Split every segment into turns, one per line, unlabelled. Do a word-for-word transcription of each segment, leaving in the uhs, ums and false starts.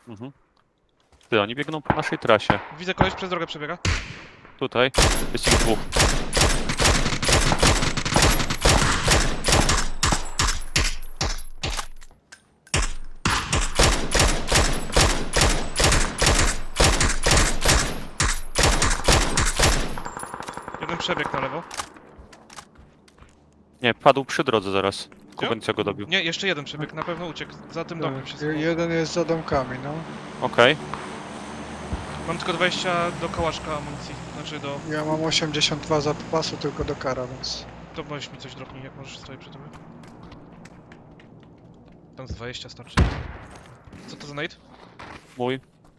Mhm. Ty, oni biegną po naszej trasie.
Widzę, koleś przez drogę przebiega.
Tutaj jest ich dwóch.
Jeden przebieg na lewo.
Nie, padł przy drodze zaraz.
Gdzie?
Kubańca go dobił.
Nie, jeszcze jeden przebieg, na pewno uciekł. Za tym domkiem się
Tak,
schował.
jeden jest za domkami, no.
Okej.
Mam tylko dwadzieścia do kołaszka amunicji. Znaczy do...
Ja mam osiemdziesiąt dwa zapasu tylko do kara, więc...
To weź mi coś dropnij, jak możesz, stoi przy tobie. Tam z dwadzieścia starczy. Co to za nade?
Mój.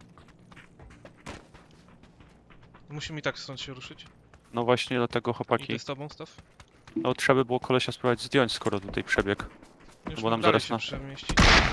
Musimy i tak stąd się ruszyć.
No właśnie dlatego
Idę
chłopaki.
z tobą, Staw.
No trzeba by było kolesia spróbować zdjąć, skoro tutaj przebieg.
Już
Bo nam
dalej
zaraz
się
na-
przemieścić.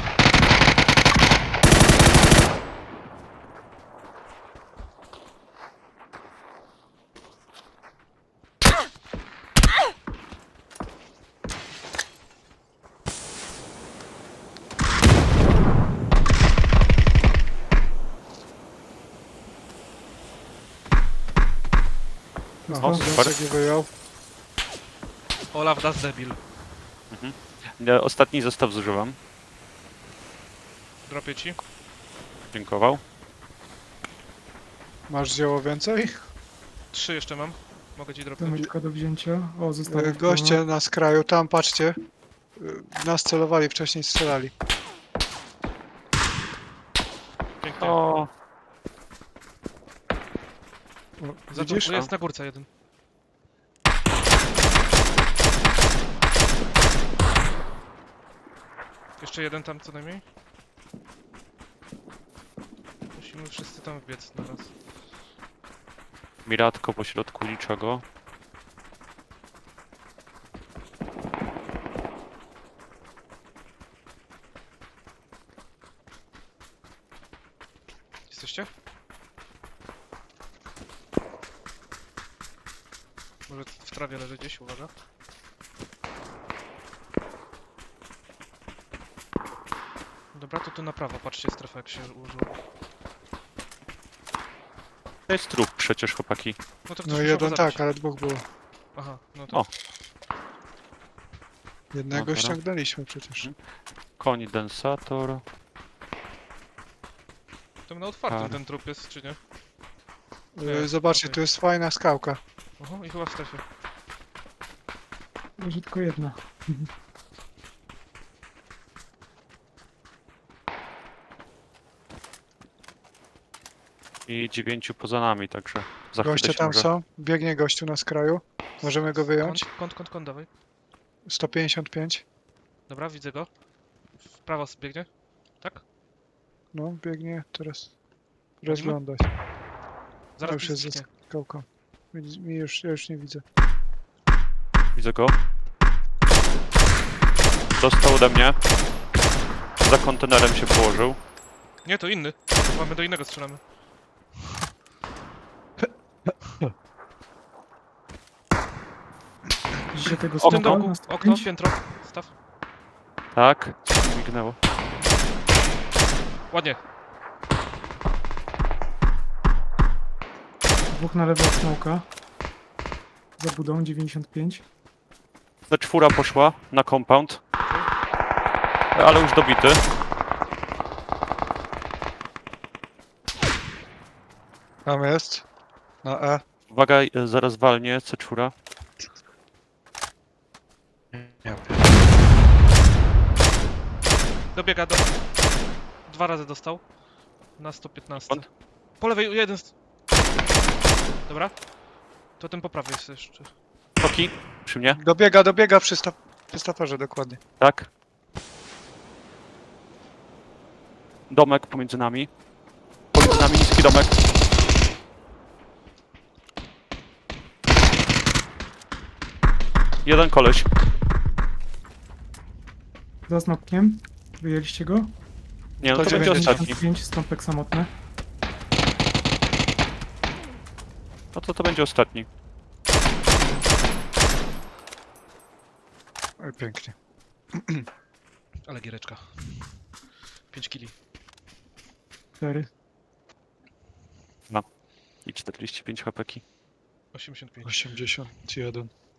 No,
O, super.
Jacek je wyjął.
Olaf, das debil.
Ja ostatni zestaw zużywam.
Dropię ci.
Dziękował.
Masz zioło więcej?
Trzy jeszcze mam. Mogę ci dropić.
Domeczka do wzięcia. O,
E,
zostało.
Goście na skraju, tam patrzcie. E, Nas celowali, wcześniej strzelali.
Pięknie.
O,
O,
Za to,
widzisz?
jest na górce jeden. Jeszcze jeden tam co najmniej. Musimy wszyscy tam wbiec na raz.
miratko po środku niczego.
Jesteście? Może w trawie leży gdzieś, uwaga. Dobra, to tu na prawo, patrzcie strefa jak się ułożyła.
To jest trup przecież chłopaki.
No to ktoś
No
musiał
jeden
go zabić.
tak, ale dwóch było.
Aha, no to...
O.
Jednego
Dobra.
ściągnęliśmy przecież.
Koń densator.
Tam na otwartym
Par.
ten trup jest, czy nie?
E, Zobaczcie,
okej.
tu jest fajna skałka.
Oho, i chyba w strefie.
Leży tylko jedna.
I dziewięciu poza nami, także za chwilę
Goście
się
tam
może...
są. Biegnie gościu na skraju. Możemy go wyjąć.
Kąt, kąt, kąt, kąt, dawaj.
sto pięćdziesiąt pięć.
Dobra, widzę go. W prawo biegnie. Tak?
No, biegnie teraz. Rozgląda się.
Zaraz
już
mi
jest
zniknie.
za skałką. Mi mi już, ja już nie widzę.
Widzę go. Dostał ode mnie. Za kontenerem się położył.
Nie, to inny. Mamy do innego strzelamy.
Widzicie tego
W tym
smoka
domku,
na
okno,
sto pięć?
piętro. Staw.
Tak, coś mi mignęło.
Ładnie.
Dwóch na lewo od smoka. Za budą dziewięćdziesiąt pięć.
Ta czwóra poszła na compound. Ale już dobity.
Tam jest. Na E.
Uwaga, e, zaraz walnie C cztery.
Nie.
Dobiega do... Dwa razy dostał. Na sto piętnaście.
Skąd?
Po lewej jeden... z- Dobra. To ten po prawej jest jeszcze.
Toki, przy mnie.
Dobiega, dobiega przy, sta przy statorze dokładnie.
Tak. Domek pomiędzy nami. Pomiędzy nami niski domek. Jeden koleś.
Za smokkiem. Wyjęliście go?
Nie, no to
To
będzie
dziewięćdziesiąt
ostatni.
pięć, stąpek samotny.
No to to będzie ostatni.
Oj, pięknie.
Ale giereczka. pięć kili.
cztery.
I czterdzieści pięć hapeki.
osiemdziesiąt pięć.
osiemdziesiąt jeden.